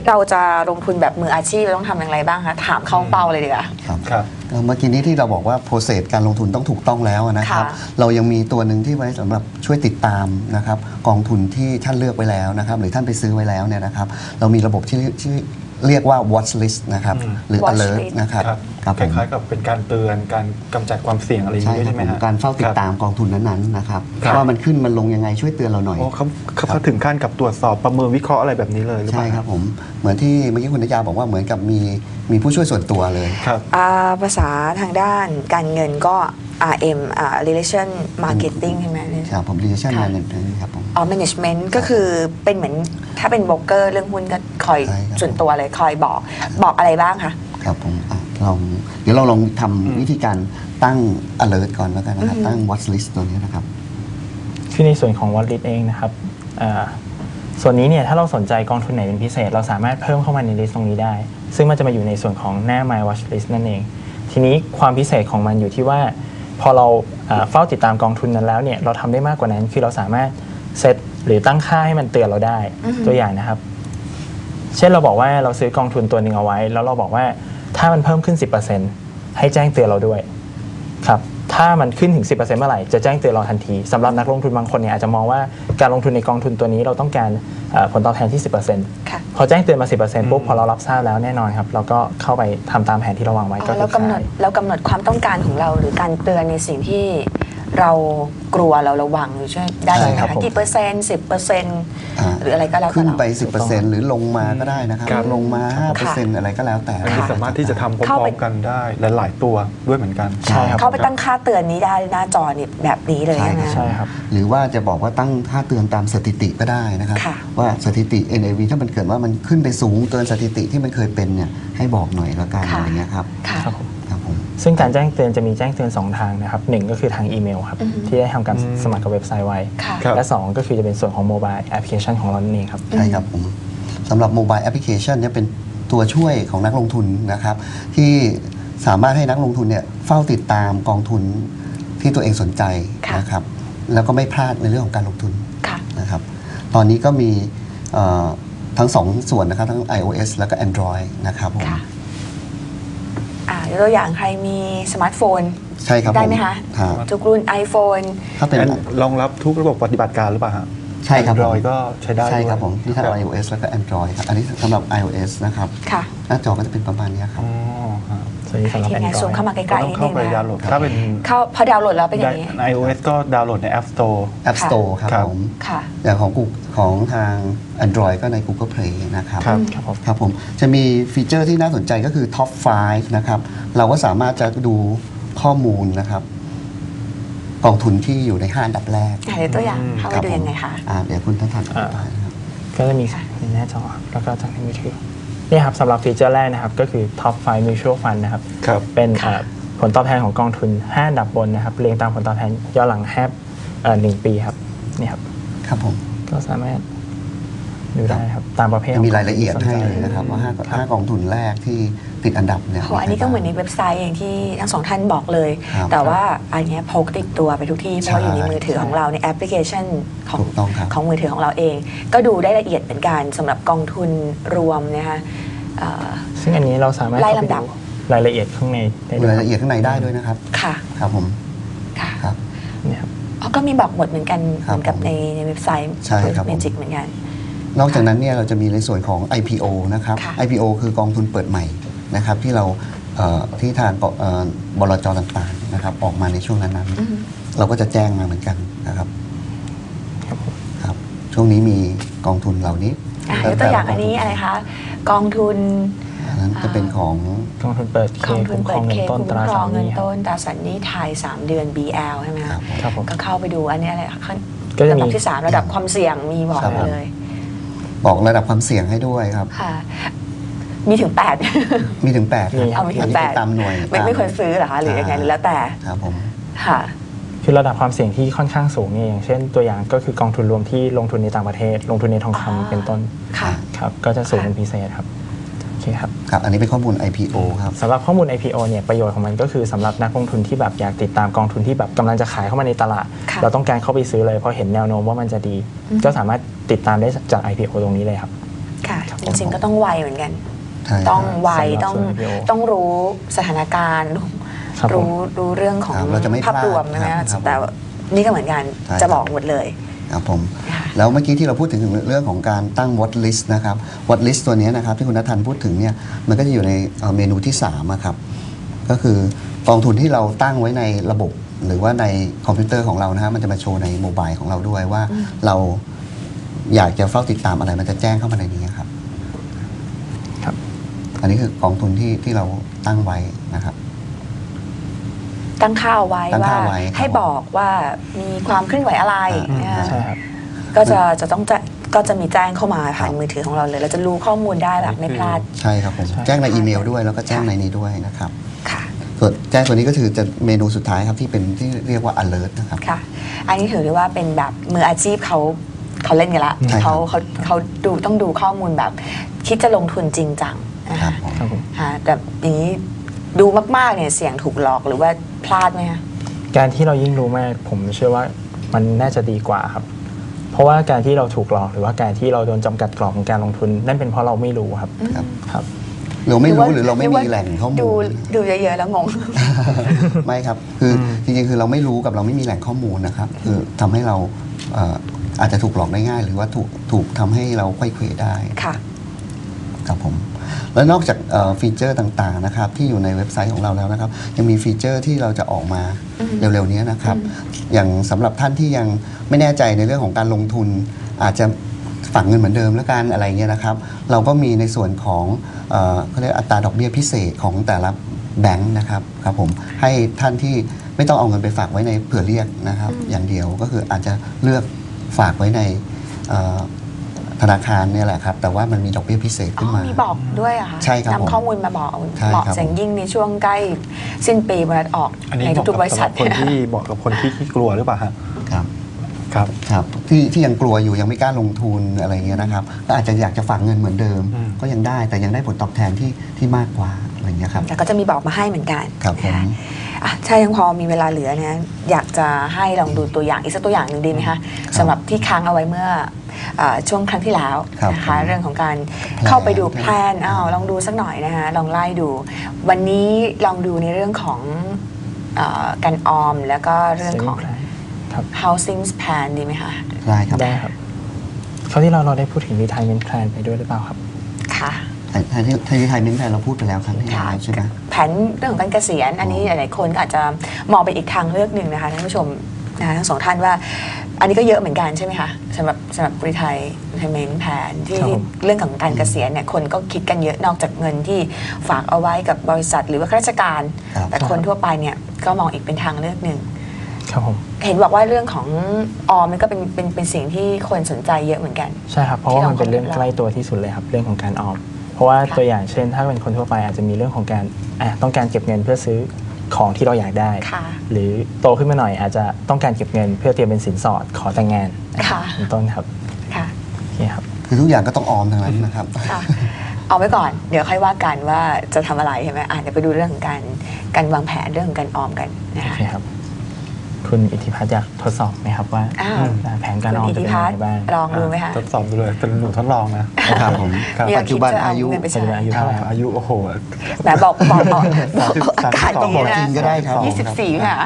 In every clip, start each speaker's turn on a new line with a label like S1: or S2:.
S1: เราจะลงทุนแบบมืออาชีพเราต้องทำอย่างไรบ้างคะถามเข้าเป้าเลยดีกว่า
S2: ครับเมื่อกี้นี้ที่เราบอกว่าโปรเซสการลงทุนต้องถูกต้องแล้วนะครับเรายังมีตัวหนึ่งที่ไว้สำหรับช่วยติดตามนะครับกองทุนที่ท่านเลือกไว้แล้วนะครับหรือท่านไปซื้อไว้แล้วเนี่ยนะครับเรามีระบบที่เรียกว่า watch list นะครับหรือ alert นะครับ
S3: คล้ายๆกับเป็นการเตือนการกำจัดความเสี่ยงอะไรอย่างนี้ใช่ไหมครับ
S2: การเฝ้าติดตามกองทุนนั้นๆนะครับว่ามันขึ้นมันลงยังไงช่วยเตือนเราหน่อย
S3: เขาถึงขั้นกับตรวจสอบประเมินวิเคราะห์อะไรแบบนี้เลยหรือเปล่า
S2: ใช่ครับผมเหมือนที่เมื่อกี้คุณนยาบอกว่าเหมือนกับมีผู้ช่วยส่วนตัวเลย
S3: ครับ
S1: ภาษาทางด้านการเงินก็ RM relation marketing ใช่ไหม
S2: ครับผม relation management ครับผม
S1: management ก็คือเป็นเหมือนถ้าเป็นโบรกเกอร์เรื่องหุ้นก็คอยส่วนตัวเลยคอยบอกอะไรบ้างคะ
S2: ครับผมเดี๋ยวเราลองทำวิธีการตั้ง alert ก่อนแล้วกันนะครับตั้ง watch list ตัวนี้นะครับ
S4: คือในส่วนของ watch list เองนะครับส่วนนี้เนี่ยถ้าเราสนใจกองทุนไหนเป็นพิเศษเราสามารถเพิ่มเข้ามาในลิสต์ตรงนี้ได้ซึ่งมันจะมาอยู่ในส่วนของหน้า my watch list นั่นเองทีนี้ความพิเศษของมันอยู่ที่ว่าพอเราเฝ้าติดตามกองทุนนั้นแล้วเนี่ยเราทำได้มากกว่านั้นคือเราสามารถเซตหรือตั้งค่าให้มันเตือนเราได้ตัวอย่างนะครับเช่นเราบอกว่าเราซื้อกองทุนตัวหนึ่งเอาไว้แล้วเราบอกว่าถ้ามันเพิ่มขึ้น 10% ให้แจ้งเตือนเราด้วยครับถ้ามันขึ้นถึง 10% เมื่อไหร่จะแจ้งเตือนเราทันทีสำหรับนักลงทุนบางคนเนี่ยอาจจะมองว่าการลงทุนในกองทุนตัวนี้เราต้องการผลตอบแทนที่ 10% พอแจ้งเตือนมา 10% ปุ๊บพอเรารับทราบแล้วแน่นอนครับเราก็เข้าไปทำตามแผนที่เราวางไว้ก็
S1: แล้วกำหนดความต้องการของเราหรือการเตือนในสิ่งที่เรากลัวเราระวังหรือช่วยได้ไหมคะกี่เปอร์เซ็นต์10%หรืออะไรก็แล้วแต่
S2: ขึ้นไป 10% หรือลงมาก็ได้นะครับลงมา 5% อะไรก็แล้วแต่
S3: สามารถที่จะทำพร้อมๆกันได้หลายๆตัวด้วยเหมือนกัน
S1: ใช่เข้าไปตั้งค่าเตือนนี้ได้หน้าจอนี่แบบนี้เลย
S4: ใช่ครับ
S2: หรือว่าจะบอกว่าตั้งค่าเตือนตามสถิติก็ได้นะครับว่าสถิติ NAV ถ้ามันเกิดว่ามันขึ้นไปสูงเกินสถิติที่มันเคยเป็นเนี่ยให้บอกหน่อยละกันอะไรเงี้ยครับ
S4: ซึ่งการแจ้งเตือนจะมีแจ้งเตือน2ทางนะครับ1ก็คือทางอีเมลครับที่ได้ทำการสมัครกับเว็บไซต์ไว้และ2ก็คือจะเป็นส่วนของโมบายแอปพลิเคชันของเราเองครับ
S2: ใช่ครับผมสำหรับโมบายแอปพลิเคชันเนี่ยเป็นตัวช่วยของนักลงทุนนะครับที่สามารถให้นักลงทุนเนี่ยเฝ้าติดตามกองทุนที่ตัวเองสนใจนะครับแล้วก็ไม่พลาดในเรื่องของการลงทุนนะครับตอนนี้ก็มีทั้ง2ส่วนนะครับทั้ง iOS แล้วก็ Android นะครับผม
S1: ตัวอย่างใครมีสมาร์ทโฟน
S2: ใช่ครับ
S1: ได้ไหมคะทุกรุ่น iPhone
S3: ถ้าเป็นรองรับทุกระบบปฏิบัติการหรือเปล่าฮะ
S2: ใช่ครับ
S3: Android ก็ใช้ได้
S2: ใช่ครับผมที่ทั้ง iOS แล้วก็ Android ครับอันนี้สำหรับ iOS นะครับหน้าจอก็จะเป็นประมาณนี้ครับ
S4: ส่วนนี้สำหรับ Android
S1: ซูมเข้ามาใกล้ๆนิดนึงนะ
S3: ถ้าเป็น
S1: พอดาวน์โหลดแล้วเป็นอย่างนี้
S3: iOS ก็ดาวน์โหลดใน App
S2: Store ครับผมอย่างของทาง Android ก็ใน Google Play นะครับครับผมจะมีฟีเจอร์ที่น่าสนใจก็คือ Top 5 นะครับเราก็สามารถจะดูข้อมูลนะครับกองทุนที่อยู่ใน5อันดับแรก
S1: เดี๋ยวตัวอย่างเข้าไปดูยังไงคะ
S2: เดี๋ยวคุณท่านนะครับ
S4: ก็จะมีในหน้าจอแล้วก็จากในมือถือนี่ครับสำหรับฟีเจอร์แรกนะครับก็คือ Top 5 Mutual Fund นะครับเป็นผลตอบแทนของกองทุน5อันดับบนนะครับเรียงตามผลตอบแทนย้อนหลัง1 ปีครับนี่ครับ
S2: ครับผม
S4: ก็สามารถดูได้ครับตามประเภท
S2: มีรายละเอียดให้เลยนะครับว่า5กองทุนแรกที่ติดอันดับเนี่ย
S1: อันนี้ก็เหมือนในเว็บไซต์อย่างที่ทั้งสองท่านบอกเลยแต่ว่าอันนี้พกติดตัวไปทุกที่เพราะอยู่ในมือถือของเราในแอปพลิเคชันของมือถือของเราเองก็ดูได้ละเอียดเหมือนกันสำหรับกองทุนรวมนะคะ
S4: ซึ่งอันนี้เราสามารถ
S1: ไล่ลำดับ
S4: รายละเอียดข้างในได้
S2: รายละเอียดข้างในได้ด้วยนะครับ
S1: ค่ะ
S2: ครับผม
S1: ค่ะ
S2: ครับ
S4: นี่ครับ
S1: ก็มีบอกหมดเหมือนกันเหมือนกับในเว็บไซต์เมจิกเหมือนกัน
S2: นอกจากนั้นเนี่ยเราจะมีในส่วนของ IPO นะครับ IPO คือกองทุนเปิดใหม่นะครับที่เราที่ทางบลจ.ต่างๆนะครับออกมาในช่วงนั้นๆเราก็จะแจ้งมาเหมือนกันนะครับครับช่วงนี้มีกองทุนเหล่านี้
S1: ตัวอย่างอันนี้อะไรคะกองทุน
S2: นั้นจะเป็นของ
S4: กองทุนเปิดเคคุ้มครองเงินต้นตราสารห
S1: นี้ไทย3 เดือน BL ใช่ไหมครับก็เข้าไปดูอันนี้อะไร
S4: ก็จะมี
S1: ระดับที่3ระดับความเสี่ยงมีบอกเลย
S2: บอกระดับความเสี่ยงให้ด้วยครับ
S1: มีถึง8
S2: มีถึง8
S1: เอามีถึง8
S2: ตามหน่วย
S1: ไม่ควรซื้อเหรอคะหรือยังไงแล้วแต่
S2: ครับผม
S1: ค่ะ
S4: คือระดับความเสี่ยงที่ค่อนข้างสูงนี่อย่างเช่นตัวอย่างก็คือกองทุนรวมที่ลงทุนในต่างประเทศลงทุนในทองคำเป็นต้นครับก็จะสูงเป็นพิเศษครับโอเคครับ
S2: ครับอันนี้เป็นข้อมูล IPO ครับ
S4: สำหรับข้อมูล IPO เนี่ยประโยชน์ของมันก็คือสำหรับนักลงทุนที่แบบอยากติดตามกองทุนที่แบบกำลังจะขายเข้ามาในตลาดเราต้องการเข้าไปซื้อเลยเพราะเห็นแนวโน้มว่ามันจะดีก็สามารถติดตามได้จาก IPO ตรงนี้เลยครับ
S1: ค่ะจริงๆก็ต้องไวเหมือนกัน
S2: ใช่
S1: ต้องไว
S4: สำหรับ
S1: ต้อง
S4: ส่วน IPO
S1: ต้องรู้สถานการณ์
S4: ครับผม
S1: รู้เรื่องของ
S2: ครับเราจะไม่พลาด
S1: ภาพรวมนะ
S2: ครั
S1: คะ
S2: บ
S1: แต่นี่ก็เหมือนกัน
S2: ใช่
S1: จะบอกหมดเลย
S2: ครับผม
S1: ค่ะ
S2: แล้วเมื่อกี้ที่เราพูดถึงเรื่องของการตั้ง watch list นะครับ watch list ตัวนี้นะครับที่คุณณัฐันพูดถึงเนี่ยมันก็จะอยู่ในเมนูที่3อะครับก็คือกองทุนที่เราตั้งไว้ในระบบ หรือว่าในคอมพิวเตอร์ของเรานะฮะมันจะมาโชว์ในโมบายของเราด้วยว่าเราอยากจะเฝ้าติดตามอะไรมันจะแจ้งเข้ามาในนี้ครับ
S4: ครับ
S2: อันนี้คือกองทุนที่เราตั้งไว้นะครับ
S1: ตั้งค่าเอาไว้
S2: ตั้ง
S1: ว่า
S2: ค่าไว้ครับ
S1: ให้บอกว่ามีความเคลื่อนไหวอะไรนะคะ
S4: ใช่ครับ
S1: ก็จะมีแจ้งเข้ามาผ่านมือถือของเราเลย เราจะรู้ข้อมูลได้แบบไม่พลาด
S2: ใช่ครับผม
S4: ใช่
S2: แจ้งในอีเมลด้วยแล้วก็แจ้งในนี้ด้วยนะครับ
S1: ค่ะ
S2: ส่วนแจ้งตัวนี้ก็คือจะเมนูสุดท้ายครับที่เป็นที่เรียกว่า alert นะครับ
S1: ค่ะ อันนี้ถือได้ว่าเป็นแบบมืออาชีพเขาเล่นกันละ
S2: ใช่ครับ
S1: เขาดูต้องดูข้อมูลแบบ คิดจะลงทุนจริงจังนะ
S2: ครั
S1: คะ
S2: บผม
S4: ครับผม
S1: ค่ะแต่อย่างนี้ดูมากๆเนี่ยเสี่ยงถูกหลอกหรือว่าพลาดไหมคะ
S4: การที่เรายิ่งรู้มากผมเชื่อว่ามันน่าจะดีกว่าครับ เพราะว่าการที่เราถูกหลอกหรือว่าการที่เราโดนจำกัดกรอบของการลงทุน นั่นเป็นเพราะเราไม่รู้ครับ
S2: ครับ
S4: ครับ
S2: เราไม่รู้หรือเราไม่มีแหล่งข้อมูล
S1: ดูเยอะๆแล้วงง
S2: ไม่ครับ คือจริงๆ คือเราไม่รู้กับเราไม่มีแหล่งข้อมูลนะครับ คือทำให้เราอาจจะถูกหลอกได้ง่าย หรือว่าถูกทำให้เราไขว้เขวได้
S1: ค่ะ
S2: ครับผม แล้วนอกจากฟีเจอร์ต่างๆนะครับที่อยู่ในเว็บไซต์ของเราแล้วนะครับ ยังมีฟีเจอร์ที่เราจะออกมาเร็วๆนี้นะครับ อย่างสำหรับท่านที่ยังไม่แน่ใจในเรื่องของการลงทุน อาจจะฝากเงินเหมือนเดิมแล้วกันอะไรเงี้ยนะครับ เราก็มีในส่วนของเขาเรียกอัตราดอกเบี้ยพิเศษของแต่ละแบงค์นะครับครับผมให้ท่านที่ไม่ต้องเอาเงินไปฝากไว้ในเผื่อเรียกนะครับ อย่างเดียวก็คืออาจจะเลือกฝากไว้ในธนาคารเนี่ยแหละครับ แต่ว่ามันมีดอกเบี้ยพิเศษ
S1: อ๋
S2: ขึ้น
S1: อ
S2: มา
S1: มีบอกด้วยเหรอะคะ
S2: ใช่ครับผม
S1: นำข้อมูลมาบอก
S2: ใช่
S1: เหมาะ
S2: ครับ
S1: เสียงยิ่งในช่วงใกล้สิ้นปีบริษัทออก
S3: อันนี้
S1: ใน
S3: บอก
S1: ทุกๆบริษัท
S3: สำหรับคนที่บอกกับคนที่กลัวหรือเปล่าฮะ
S2: ครับ
S3: ครับ
S2: ครับที่ยังกลัวอยู่ยังไม่กล้าลงทุนอะไรเงี้ยนะครับก็อาจจะอยากจะฝากเงินเหมือนเดิม ก็ยังได้แต่ยังได้ผลตอบแทนที่มากกว่าอะไรเงี้ยครับ
S1: แต่ก็จะมีบอกมาให้เหมือนกัน
S2: ครับผม
S1: อ่ะถ้ายังพอมีเวลาเหลือเนี่ยอยากจะให้ลองดูตัวอย่างอีกสักตัวอย่างหนึ่งดีไหมคะสำหรับที่ค้างเอาไว้เมื่อช่วงครั้งที่แล้ว
S2: ครับ
S1: นะคะเรื่องของการ
S2: แพลน
S1: เข้าไปดูแพลนลองดูสักหน่อยนะคะลองไล่ดู วันนี้ลองดูในเรื่องของการออมแล้วก็เรื่องของ
S4: Saving plan ครับ
S1: housing plan ดีไหมคะ
S2: ได้ครับ
S4: ได้ครับคราวที่เราได้พูดถึง retirement plan ไปด้วยหรือเปล่าครับ
S1: ค่ะ
S2: ไทยไทยมิ้นไทยเราพูดไปแล้วครั้งที่แล้วใช่ไหม
S1: แผนเรื่องของการเกษียณอันนี้หลายๆคนก็อาจจะมองเป็นอีกทางเลือกหนึ่งนะคะท่านผู้ชมนะคะทั้งสองท่านว่า อันนี้ก็เยอะเหมือนกันใช่ไหมคะสำหรับรีไทเมนต์แผนที่
S4: ครับผม
S1: เรื่องของการเกษียณเนี่ยคนก็คิดกันเยอะนอกจากเงินที่ฝากเอาไว้กับบริษัทหรือว่าข้าราชการ
S2: ครับ
S1: แต่คนทั่วไปเนี่ยก็มองอีกเป็นทางเลือกหนึ่ง
S4: ครับผม
S1: เห็นบอกว่าเรื่องของออมมันก็เป็นสิ่งที่คนสนใจเยอะเหมือนกัน
S4: ใช่ครับ เพราะว่ามันเป็นเรื่องใกล้ตัวที่สุดเลยครับ เรื่องของการออม เพราะว่า
S1: ค่ะ
S4: ตัวอย่างเช่น ถ้าเป็นคนทั่วไปอาจจะมีเรื่องของการต้องการเก็บเงินเพื่อซื้อของที่เราอยากได้
S1: ค่ะ
S4: หรือโตขึ้นมาหน่อยอาจจะต้องการเก็บเงินเพื่อเตรียมเป็นสินสอดขอแต่งงาน
S1: ค่ะ
S4: เป็นต้นครับ
S1: ค่ะ
S4: โอเคครับ
S2: คือทุกอย่างก็ต้องออมทั้งนั้นนะครับ
S1: ค่ะเอาไว้ก่อนเดี๋ยวค่อยว่ากันว่าจะทำอะไรใช่ไหมเดี๋ยวไปดูเรื่องของการวางแผนเรื่องของการออมกันนะ
S4: โอ
S1: คะ
S4: เคครับ คุณอิทธิพัฒน์อยากทดสอบไหมครับว่า
S1: อ้าว
S4: แผนการออม
S1: คุณ
S4: จะ
S1: อิท
S4: เป็น
S1: ธิ
S4: ยัง
S1: พัฒ
S4: ไง
S1: น์
S4: บ้าง
S1: ลองดูไหมคะ
S3: ทดสอบดูเลยเป็นหนูทดลองนะ
S2: ครับผม
S3: ครับ
S1: มี
S2: ปัจจุบันอายุ
S1: เงินไป
S4: ปัจ
S1: ใช้
S4: จุบันอายุเท่าไหร่ครับ
S3: อายุโอ้โห
S1: แหมบอกอากาศ
S2: ต้องบอกจริงก็ได้ครับ
S1: 24ค่ะ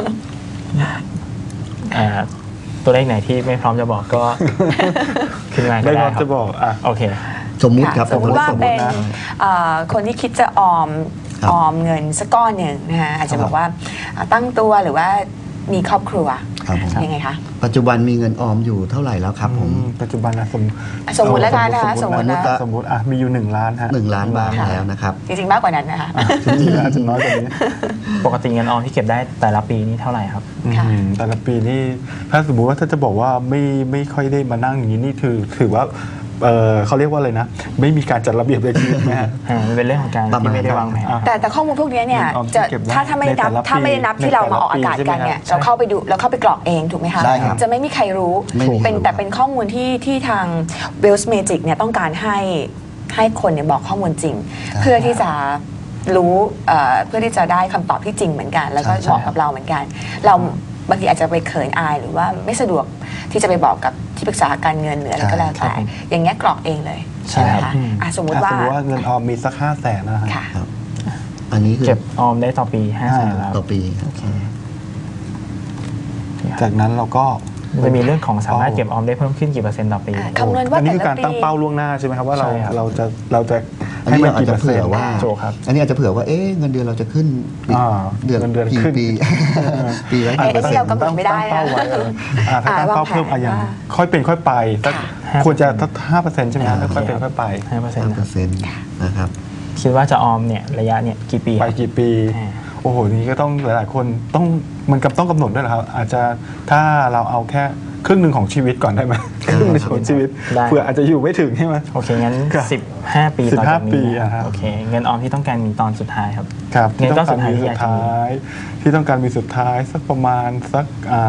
S4: ตัวเลขไหนที่ไม่พร้อมจะบอกก็ ขึ้นมาก็
S3: ไม่
S4: ได้
S3: พร้อม
S4: ครั
S3: จะ
S4: บ
S3: บอก
S4: โอเค
S2: สมมุติครับ
S1: สมมติว่า
S2: สมมุ
S1: เป็
S2: ติ
S1: น
S2: นะ
S1: คนที่คิดจะออม
S2: ครับ
S1: ออมเงินสักก้อนหนึ่งนะคะอาจจะ
S2: ครับ
S1: บอกว่าตั้งตัวหรือว่ามีครอบครัว
S2: ครับผม
S1: ยังไงคะ
S2: ปัจจุบันมีเงินออมอยู่เท่าไหร่แล้วครับผม
S3: ปัจจุบันนะ
S1: สมมุติแล้วกันนะคะ
S3: สมมติ
S2: สมมุติ
S3: นะสมมติมีอยู่1 ล้านฮะ
S2: 1 ล้านบาท
S1: ค่ะ
S2: แล้วนะครับ
S1: จริงๆมากกว่านั้นนะคะ
S3: จริงๆอาจจะน้อยกว่านี้
S4: ปกติเงินออมที่เก็บได้แต่ละปีนี่เท่าไหร่ครับ
S1: ค่ะ
S3: แต่ละปีนี่ถ้าสมมุติว่าถ้าจะบอกว่าไม่ค่อยได้มานั่งอย่างนี้นี่ถือว่าเขาเรียกว่าอะไรนะ ไม่มีการจัดระเบียบเลยทีนะฮะ
S4: มันเป็นเรื่องของการ
S2: ประมาณ
S4: ที่ไม่ได้วางแผน
S1: แต่ข้อมูลพวกนี้เนี่ย
S3: เงินออมที่
S1: จะ
S3: เก็บได้
S1: ถ้าไม่ได้นับ
S3: ในแต่ละ
S1: ถ้าไม่ได้นับ
S3: ปี
S1: ที่เรามาออก
S3: ในแต่ละ
S1: อากาศกันเนี่ย
S3: ปีใช่ไหมครับ
S1: เราเข้าไปดูเราเข้าไปกรอกเองถูกไหมคะ
S2: ได้ครับ
S1: จะไม่มีใครรู้
S2: ไม่มีใครรู้
S1: แต่เป็นข้อมูลที่ทาง Wealth Magic เนี่ยต้องการให้คนเนี่ยบอกข้อมูลจริง เพื่อที่จะรู้เพื่อที่จะได้คำตอบที่จริงเหมือนกัน แล้วก็
S2: ใช่
S1: เหมาะกับเราเหมือนกัน เราบางทีอาจจะไปเขินอายหรือว่าไม่สะดวกที่จะไปบอกกับที่ปรึกษาการเงินหรืออะไรก็แล้วแต่อย่างเงี้ยกรอกเองเลยใช่ไหมคะ
S4: อืม
S1: สมมติว่า
S3: เงินออมมีสัก500,000นะฮะ
S1: ค่ะ
S2: ครับอันนี้คือ
S4: เก็บออมได้ต่อปี500,000แล้ว
S2: ต่อปี
S4: โอเค
S3: จากนั้นเราก็
S4: จะมีเรื่องของสามารถเก็บออมได้เพิ่มขึ้นกี่เปอร์เซ็นต์ต่อปี
S1: คำนวณว่า
S3: อันนี้
S1: แต่
S3: คือ
S1: ละ
S3: การตั้ง
S1: ปี
S3: เป้าล่วงหน้าใช่ไหมครับว่าเรา
S4: ใช่ครับ
S3: เราจะ
S2: อัน
S3: ให้
S2: นี้
S3: มัน
S2: เราอาจ
S3: กี่
S2: จะ
S3: เปอร์เซ็
S2: เผื่
S3: น
S2: อ
S3: ต์
S2: ว่า
S4: ถูกครับ
S2: อันนี้อาจจะเผื่อว่าเงินเดือนเราจะขึ้น
S3: เงินเดือน
S2: กี่
S3: ขึ้น
S2: ปี ปีละ
S1: ไอ้
S2: กี่เปอร์
S1: นี่
S2: เซ็น
S1: เรา
S2: ต์
S1: กำหนดไม่ได้
S3: ตั้งเป้าไว้ถ้าตั้งเป้าเพิ่มอย่าง
S1: ว่า
S3: ค่อยเป็นค่อยไปสัก
S4: ค่ะ
S3: ควรจะสัก5%ใช่ไหมครับค่อยเป็นค่อยไป
S4: 5%
S2: 5%นะครับ
S4: คิดว่าจะออมเนี่ยระยะเนี่ยกี่ปี
S3: ไป
S4: ครับ
S3: กี่ปี
S4: อ่า
S3: โอ้โหนี่ก็ต้องหลายๆคนต้องกำหนดด้วยเหรอครับอาจจะถ้าเราเอาแค่ครึ่งหนึ่งของชีวิตก่อนได้ไหมครึ่งหนึ่งของชีวิต
S4: ได้
S3: เผื่ออาจจะอยู่ไม่ถึงใช่ไหม
S4: โอเคงั้น
S3: ครับ
S4: 15 ปีต่อจาก
S3: 15 ปี
S4: นี้
S3: อะครับ
S4: โอเคเงินออมที่ต้องการมีตอนสุดท้ายครับ
S3: ครับ
S4: เงินก้อนสุดท้าย
S3: ที่ต้องการมีสุดท้ายที่ต้องการมีสุดท้ายสักประมาณสัก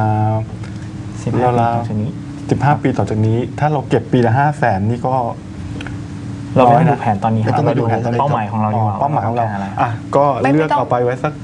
S4: 15 ปีต่อจากนี้
S3: 15 ปีต่อจากนี้ ถ้าเราเก็บปีละ500,000นี่ก็
S4: เราไม่
S3: น้อย
S4: ต้อง
S3: นะ
S4: ดูแผนตอนนี้ครับ
S2: ไม่ต้อง
S4: เราดู
S2: ไปดูแผนตอนนี้
S4: เป้าหมายของเราดีกว่า
S3: เป้าหมายของเรา
S4: ต้กอะไร
S3: อ่ะก็
S1: ไม่
S3: เลือก
S1: ต้อง
S3: เอาไปไว้สัก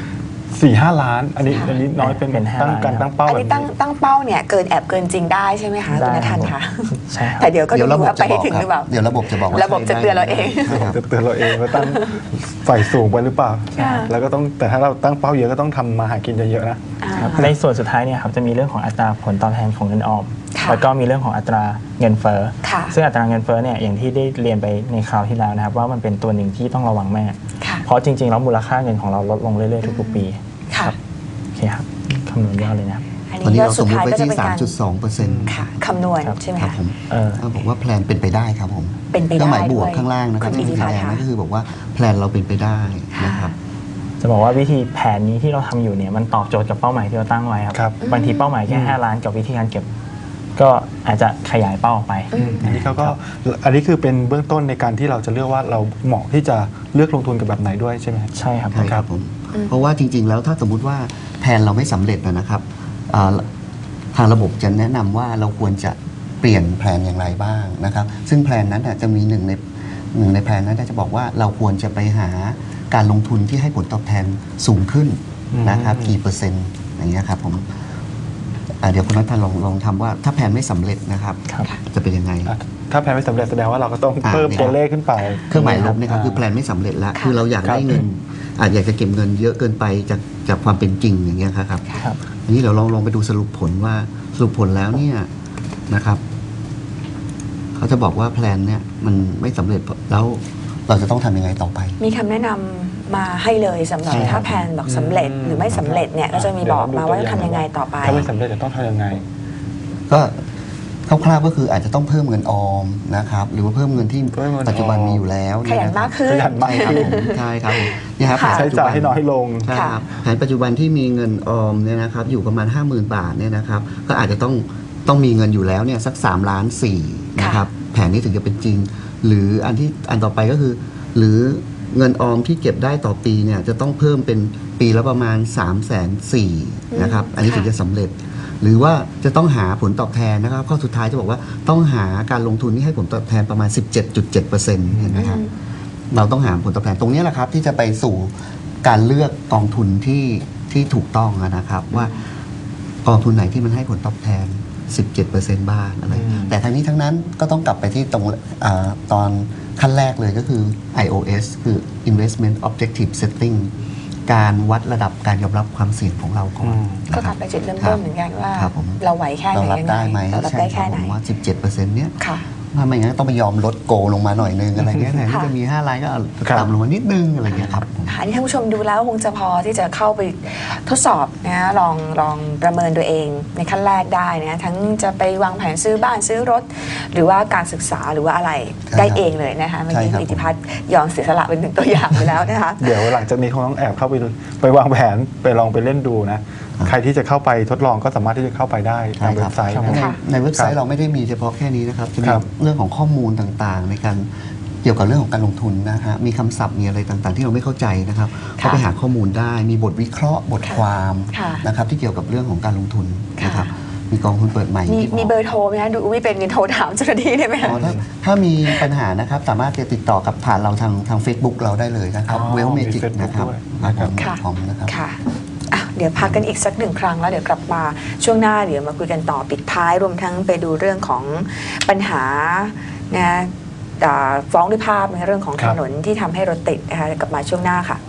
S3: 4-5 ล้าน อันนี้น้อยเป็น
S4: เป็น5
S3: ตั้งการ
S4: ล้าน
S3: ตั้งเป้า
S1: อัน
S3: แบบ
S1: นี้
S3: นี้
S1: ตั้งเป้าเนี่ยเกินแอบเกินจริงได้ใช่ไหมคะคุณนทันคะ
S4: ใช่ครับ
S1: แต่เดี๋ยวก็
S2: เดี๋ยว
S1: ดู
S2: ระบบ
S1: ว่า
S2: จะ
S1: ไป
S2: บ
S1: ให้
S2: อก
S1: ถึง
S2: ค
S1: หรือเป
S2: รั
S1: ล่า
S2: บเดี๋ยวระบบจะบอกว่า
S1: ระบบจะเตือนเราเอง
S2: ครับ
S3: จะเตือนเราเองว่าตั้งฝ่ายสูงไปหรือเปล่า
S1: ค่ะ
S3: แล้วก็ต้องแต่ถ้าเราตั้งเป้าเยอะก็ต้องทำมาหากินเยอะๆนะ
S4: ครับในส่วนสุดท้ายเนี่ยครับจะมีเรื่องของอัตราผลตอบแทนของเงินออม
S1: ค่ะ
S4: แล้วก็มีเรื่องของอัตราเงินเฟ้อ
S1: ค่ะ
S4: ซึ่งอัตราเงินเฟ้อเนี่ยอย่างที่ได้เรียนไปในคราวที่แล้วนะครับว่ามันเป็นตัวหนึ่งที่ต้องระวังมาก
S1: ค่ะ
S4: เพราะจริงๆแล้วมูลค่าเงินของเราลดลงเรื่อยๆทุกๆปี
S1: ค่ะ
S4: โอเคครับคำนวณยอดเลยนะครับ
S1: อัน
S2: ตอนนี้
S1: นี้ก็
S2: เราส
S1: สุ
S2: ม
S1: ด
S2: มติ
S1: ท้าย
S2: ไว้
S1: ก็จะ
S2: ที่
S1: เป็นการ
S2: 3.2%
S1: ค่ะคำนวณ
S4: ครับ
S1: ใช่ไหม
S2: ครับ
S1: คะ
S2: ผมเขาบอกว่าแพลนเป็นไปได้ครับผม
S1: เป็นไปได้
S2: เครื่องหมายบวก
S1: ด้วย
S2: ข้างล่างนะครับ
S1: คุณอิทธิ
S2: ที่
S1: พัฒน์
S2: แดง
S1: ค่ะ
S2: นั่นก็คือบอกว่าแพลนเราเป็นไปได้นะครับ
S4: จะบอกว่าวิธีแผนนี้ที่เราทำอยู่เนี่ยมันตอบโจทย์กับเป้าหมายที่เราตั้งไว้ครับ
S3: ครับ
S4: บางทีเป้าหมายแค่5 ล้านกับวิธีการเก็บ ก็อาจจะขยายเป้าออกไป
S3: อันนี้เขาก็อันนี้คือเป็นเบื้องต้นในการที่เราจะเลือกว่าเราเหมาะที่จะเลือกลงทุนกับแบบไหนด้วยใช่ไหมครับ
S4: ใช่ครับ
S2: ใช่ครับผมเพราะว่าจริงๆ แล้วถ้าสมมุติว่าแผนเราไม่สำเร็จนะครับทางระบบจะแนะนำว่าเราควรจะเปลี่ยนแผนอย่างไรบ้างนะครับ ซึ่งแผนนั้นจะมีหนึ่งในแผนนั้นจะบอกว่าเราควรจะไปหาการลงทุนที่ให้ผลตอบแทนสูงขึ้นนะครับกี่เปอร์เซ็นต์อย่างเงี้ยครับผมเดี๋ยวคุณนัทธันลองทำว่าถ้าแผนไม่สำเร็จนะครับ
S4: ครับ
S2: จะเป็นยังไง
S3: ถ้าแผนไม่สำเร็จแสดงว่าเราก็ต้องเพิ่ม
S2: เนี่ย
S3: ตัวเลขขึ้นไป
S2: เครื่องหมายลบนะครับคือแผนไม่สำเร็จแล้ว
S1: ค่ะ
S2: คือเราอยากได้เงินอาจอยากจะเก็บเงินเยอะเกินไปจากความเป็นจริงอย่างเงี้ยครับ
S4: ครับ
S2: อันนี้เราลองไปดูสรุปผลว่าสรุปผลแล้วเนี่ยนะครับเขาจะบอกว่าแพลนเนี่ยมันไม่สำเร็จแล้วเราจะต้องทำยังไงต่อไป
S1: มีคำแนะนำมาให้เลยสำหรับ
S2: ใช่ครับ
S1: ถ้าแผนบอกสำเร็จหรือไม่สำเร็จเนี่ยก็จะมีบอกมาว่าต้องทำยังไงต่อไป
S3: ถ้าไม่สำเร็จจะต้องทำยังไง
S2: ก็คร่าวๆก็คืออาจจะต้องเพิ่มเงินออมนะครับหรือว่าเพิ่มเงินที่
S3: เพิ่มเงินออม
S2: ปัจจุบันมีอยู่แล้ว
S1: ขยันมากขึ้น
S3: ขยันมาก
S2: ใช่ครับผมใช่ครับผมเนี่ยครับ
S1: ค่ะ
S2: แผน
S3: ใช้
S2: ปัจจุ
S3: จ่าย
S2: บัน
S3: ให้น้อยลง
S2: ใช่ครับแผนปัจจุบันที่มีเงินออมเนี่ยนะครับอยู่ประมาณ 50,000 บาทเนี่ยนะครับก็อาจจะต้องมีเงินอยู่แล้วเนี่ยสัก3.4 ล้านนะครับแผนนี้ถึงจะเป็นจริง หรืออันต่อไปก็คือ หรือเงินออมที่เก็บได้ต่อปีเนี่ยจะต้องเพิ่มเป็นปีละประมาณ340,000นะครับอันนี้ถึงจะสำเร็จ หรือว่าจะต้องหาผลตอบแทนนะครับข้อสุดท้ายจะบอกว่าต้องหาการลงทุนที่ให้ผลตอบแทนประมาณ 17.7% เห็นไหมครับเราต้องหาผลตอบแทนตรงนี้แหละครับที่จะไปสู่การเลือกกองทุนที่ถูกต้องนะครับว่ากองทุนไหนที่มันให้ผลตอบแทน 17% บ้างอะไรแต่ทั้งนี้ทั้งนั้นก็ต้องกลับไปที่ตรงตอนขั้นแรกเลยก็คือ IOS คือ Investment Objective Setting การวัดระดับการยอมรับความเสี่ยงของเราก่อน
S1: ก็กลับไปจุดเริ่มต้นเหมือนกันว่า
S2: ครับผม
S1: เราไหวแค่ไห
S2: เรา
S1: น
S2: รับ
S1: ยังไง
S2: ได้ไหม
S1: เรารับ
S2: ใช่
S1: ได้
S2: ครั
S1: แค่
S2: บ
S1: ไหน
S2: ผมว่า 17%เนี้ย
S1: ค่ะ
S2: ถ้าไม่งั้นต้องไปยอมลดโกลงมาหน่อยนึงอะไรเงี้ยแทนที่จะมี5 ล้านก็เอาต่ำลงมานิดนึงอะไรเงี้ยครับ
S1: อันนี้ท่านผู้ชมดูแล้วคงจะพอที่จะเข้าไปทดสอบนะลองประเมินตัวเองในขั้นแรกได้นะทั้งจะไปวางแผนซื้อบ้านซื้อรถ หรือว่าการศึกษาหรือว่าอะไร
S2: ใช่
S1: ได้
S2: ครับ
S1: เองเลยนะคะเมื่อกี้
S2: ใช่ครับ
S1: อิทธิพัฒน์ยอมเสียสละเป็นหนึ่งตัวอย่างไปแล้วนะคะ
S3: เดี๋ยวหลังจากนี้คงต้องแอบเข้าไปวางแผนไปลองไปเล่นดูนะ ใครที่จะเข้าไปทดลองก็สามารถที่จะเข้าไปได้ทางเว็บไซต์
S2: ใน
S3: นะครับ
S2: ในเว็บไซ
S3: ครั
S2: ต์
S3: บ
S2: เราไม่ได้มีเฉพาะแค่นี้นะครับจะมี
S3: ครับ
S2: เรื่องของข้อมูลต่างๆ ในการเกี่ยวกับเรื่องของการลงทุนนะฮะมีคำศัพท์มีอะไรต่างๆ ที่เราไม่เข้าใจนะครับก็ไปหาข้อมูลได้มีบทวิเคราะห์บทความ
S1: ค่ะ
S2: นะครับที่เกี่ยวกับเรื่องของการลงทุน
S1: ค่ะ
S2: นะครับมีกองทุนเปิดใหม่
S1: มี
S2: ที่
S1: มีเบอร์โทรไหมคะดูไม่เป็นโทรถามเจ้าหน้าที่ได้ไหมคะ
S2: ถ้ามีปัญหานะครับสามารถจะติดต่อกับผ่านเราทาง Facebook เราได้เลยนะครับ
S3: อ๋อ
S2: เวลเม
S3: มี
S2: จิก
S3: Facebook
S2: นะครับ
S3: ด้วย
S2: ครับ
S1: ค่ะ
S2: ผมนะครับ
S1: ค่ะอ่ะ เดี๋ยวพักกันอีกสักหนึ่งครั้งแล้วเดี๋ยวกลับมาช่วงหน้าเดี๋ยวมาคุยกันต่อปิดท้ายรวมทั้งไปดูเรื่องของปัญหานะฟ้องด้วยภาพในเรื่องของ
S3: ครั
S1: ถ
S3: บ
S1: นนที่ทำให้รถติดนะคะกลับมาช่วงหน้าค่ะ